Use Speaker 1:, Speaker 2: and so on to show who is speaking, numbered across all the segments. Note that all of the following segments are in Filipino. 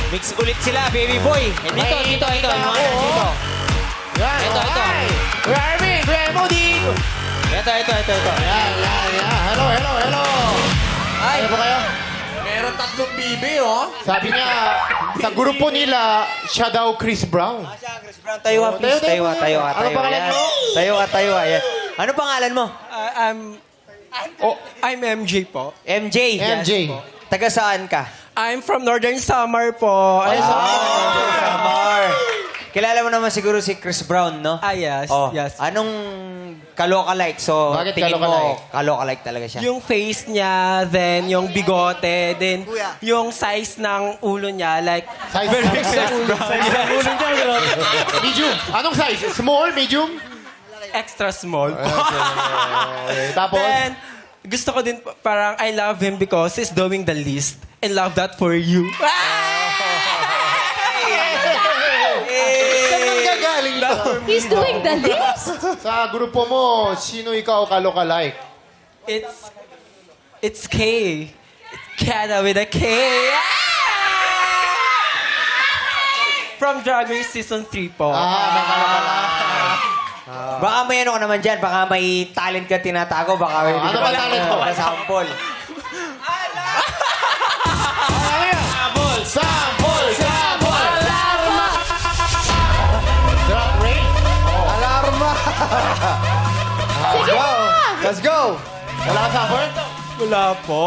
Speaker 1: Mix ulit sila, baby boy. Eh, dito. Yung mga dito.
Speaker 2: Yan.
Speaker 1: Ito.
Speaker 2: Kuya Arvin, Kuya Emody.
Speaker 1: Ito.
Speaker 2: Yan. Hello.
Speaker 1: Ay,
Speaker 2: Ano ba kayo?
Speaker 3: Meron 3 bibi, oh.
Speaker 2: Sabi niya, sa grupo nila, siya daw Chris Brown.
Speaker 1: Chris Brown, tayo ka, please. Tayo ka.
Speaker 2: Ano pangalan
Speaker 1: Ayan.
Speaker 2: mo?
Speaker 1: Tayo ka. Ayan. Ano pangalan mo?
Speaker 4: I'm MJ po.
Speaker 1: MJ.
Speaker 2: MJ.
Speaker 1: Taga saan ka?
Speaker 4: I'm from Northern Samar po.
Speaker 1: Samar. Kilala mo naman siguro si Chris Brown, no?
Speaker 4: Yes,
Speaker 1: Oh,
Speaker 4: yes.
Speaker 1: Anong kaloka-like? So,
Speaker 2: Bakit
Speaker 1: tingin mo,
Speaker 2: kaloka-like?
Speaker 1: kaloka-like talaga siya.
Speaker 4: Yung face niya, then yung bigote, then yung size ng ulo niya, like,
Speaker 2: Size
Speaker 4: very
Speaker 2: ng
Speaker 4: size
Speaker 2: ulo.
Speaker 4: ng ulo niya, bro.
Speaker 2: Medium. Anong size? Small, medium?
Speaker 4: Extra small.
Speaker 2: Okay, tapos?
Speaker 4: Then, gusto ko din, parang I love him because he's doing the least and love that for you.
Speaker 2: Gagaling to.
Speaker 5: He's doing the list.
Speaker 2: Sa grupo mo, sino ikaw kaloka-like?
Speaker 4: It's K. It's Kada with a K. From Drag Race Season 3 po.
Speaker 2: May kaloka-like.
Speaker 1: Baka may ano ka naman dyan, baka may talent ka tinatago, baka may
Speaker 2: Ano ba talent mo?
Speaker 1: sample.
Speaker 2: Sample! Drop rate?
Speaker 3: Alarma! Let's go!
Speaker 2: Wala ka sample?
Speaker 4: Wala po.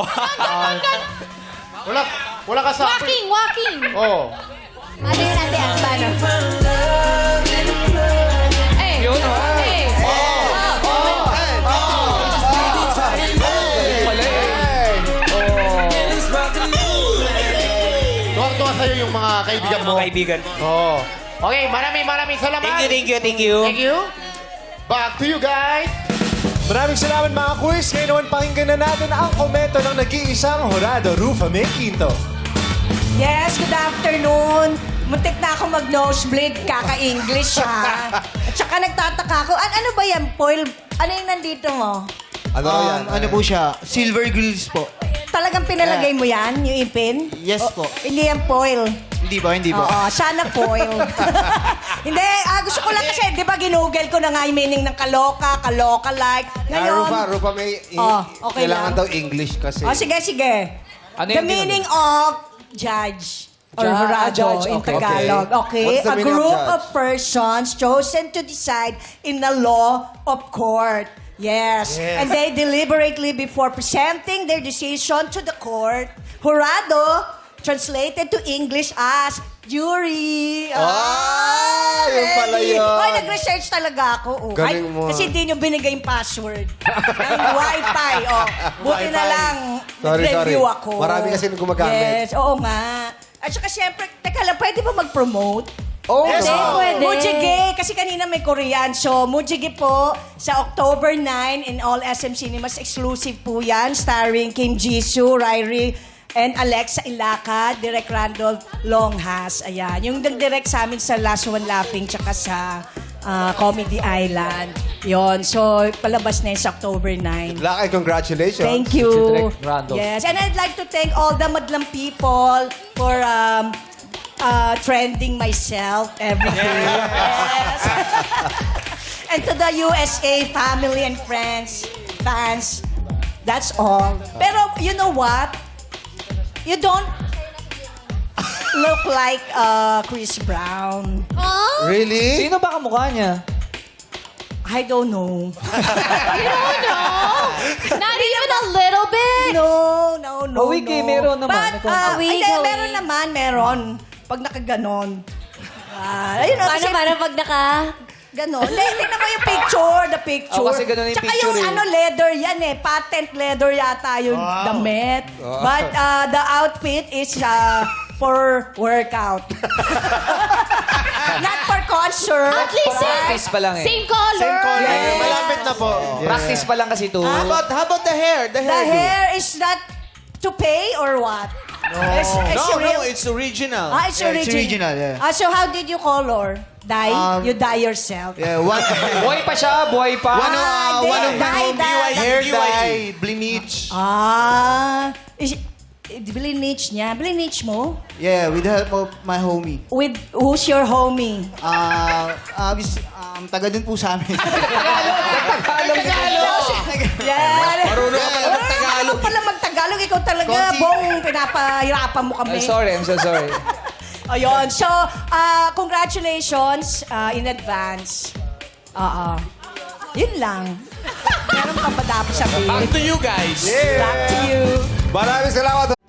Speaker 2: Wala ka sample?
Speaker 5: Walking.
Speaker 2: Oo.
Speaker 5: Ano yun natin? Paano? Eh.
Speaker 1: Yun, oh.
Speaker 5: Eh.
Speaker 2: Tuwang-tuwa sa'yo yung mga kaibigan mo.
Speaker 1: Mga kaibigan.
Speaker 2: Oo. Okay, maraming salamat.
Speaker 1: Thank you.
Speaker 2: Thank you. Back to you guys.
Speaker 3: Maraming salamat mga quiz. Ngayon naman pakinggan na natin ang komento ng nag-iisang Jurado, Rufa May Quinto.
Speaker 6: Yes, good afternoon. Muntik na ako mag-nosebleed, kaka-English ha. At saka nagtataka ako, ano ba yan, foil? Ano yung nandito mo?
Speaker 3: Ano yan?
Speaker 7: Ano po siya? Silver grills po.
Speaker 6: Talagang pinalagay mo yan, yung ipin?
Speaker 7: Yes po.
Speaker 6: Hindi yan foil.
Speaker 7: Hindi po.
Speaker 6: Oo, sana foil. Hindi, gusto ko lang kasi, di ba ginugel ko na nga yung meaning ng kaloka-like. Ngayon,
Speaker 3: Rufa May,
Speaker 6: okay
Speaker 3: kailangan
Speaker 6: lang.
Speaker 3: daw English kasi.
Speaker 6: Sige. The meaning of judge. Or jurado
Speaker 3: judge,
Speaker 6: in
Speaker 3: okay.
Speaker 6: Tagalog. Okay?
Speaker 3: What's the
Speaker 6: A
Speaker 3: meaning of
Speaker 6: group
Speaker 3: judge?
Speaker 6: of persons chosen to decide in the law of court. Yes. And they deliberately before presenting their decision to the court. Jurado, translated to English as jury.
Speaker 3: Yun pala
Speaker 6: ready.
Speaker 3: yun.
Speaker 6: Hoy, nag-research talaga ako. Oh.
Speaker 3: Galing mo.
Speaker 6: Kasi hindi nyo binigay yung password. ng Wi-Fi. Oh. Buti na lang,
Speaker 3: Sorry.
Speaker 6: nag-review ako.
Speaker 3: Marami kasi gumagamit.
Speaker 6: Yes, oo nga. At saka siyempre, teka lang, pwede ba mag-promote?
Speaker 3: Oh,
Speaker 6: Yes,
Speaker 5: no. Pwede.
Speaker 6: Mujige. Kasi kanina may Korean. So, Mujige po sa October 9 in all SM Cinemas. Exclusive po yan. Starring Kim Jisoo, Ryrie, and Alexa Ilaca, Direk Randolph Longhas. Ayan. Yung nag-direct sa amin sa Last One Laughing tsaka sa Comedy Island. Yon. So, palabas na yun sa October 9.
Speaker 3: Luck and congratulations.
Speaker 6: Thank you.
Speaker 3: Si Direk Randolph.
Speaker 6: Yes, and I'd like to thank all the Madlang people for trending myself every day. Yes. And to the USA family and friends, fans, that's all. Pero you know what? You don't look like Chris Brown.
Speaker 5: Oh?
Speaker 3: Really?
Speaker 1: Sino ba kamukha niya?
Speaker 6: I don't know.
Speaker 5: You don't know? Not even a little bit?
Speaker 6: No.
Speaker 1: Wiki, meron naman.
Speaker 6: But,
Speaker 5: Wiki,
Speaker 6: hindi,
Speaker 5: wiki.
Speaker 6: meron naman, meron. Pag nakaganon. Ayun, kasi,
Speaker 5: Paano pag naka...
Speaker 6: ganon. Hindi, tingnan mo yung picture, the picture.
Speaker 1: Oh, kasi ganon yung
Speaker 6: Tsaka
Speaker 1: picture
Speaker 6: yung
Speaker 1: eh.
Speaker 6: leather yan eh. Patent leather yata yung damit. But the outfit is for workout. Not for concert.
Speaker 5: At least
Speaker 1: Practice pa lang eh.
Speaker 5: same color.
Speaker 3: Same color.
Speaker 6: Yes.
Speaker 3: Malapit na po.
Speaker 1: Practice pa lang kasi ito.
Speaker 3: How about the hair? The
Speaker 6: The
Speaker 3: hairdo?
Speaker 6: hair is not to pay or what? No.
Speaker 3: It's original.
Speaker 6: It's
Speaker 7: Yeah, it's
Speaker 6: original.
Speaker 7: original, yeah.
Speaker 6: So how did you color? Dye? You dye yourself?
Speaker 7: Yeah, one
Speaker 1: Buhay pa siya, buhay pa.
Speaker 6: Hindi,
Speaker 7: one of my
Speaker 6: dye, dye.
Speaker 7: hair dye, bleach.
Speaker 6: Is Blininage niya. Blininage mo?
Speaker 7: Yeah, with the help of my homie.
Speaker 6: With who's your homie?
Speaker 7: Taga din po sa amin.
Speaker 6: Yan.
Speaker 8: Marunong ka pala mag-Tagalog.
Speaker 6: Pala mag-Tagalog. Ikaw talaga,
Speaker 7: Konsi.
Speaker 6: Bong, pinapahirapan mo kami.
Speaker 8: I'm so sorry.
Speaker 6: Ayun. So, congratulations in advance. Oo. Yun lang. Meron ka pa dapat sabihin.
Speaker 8: Back to you guys.
Speaker 6: Back to you.
Speaker 3: Maraming salamat.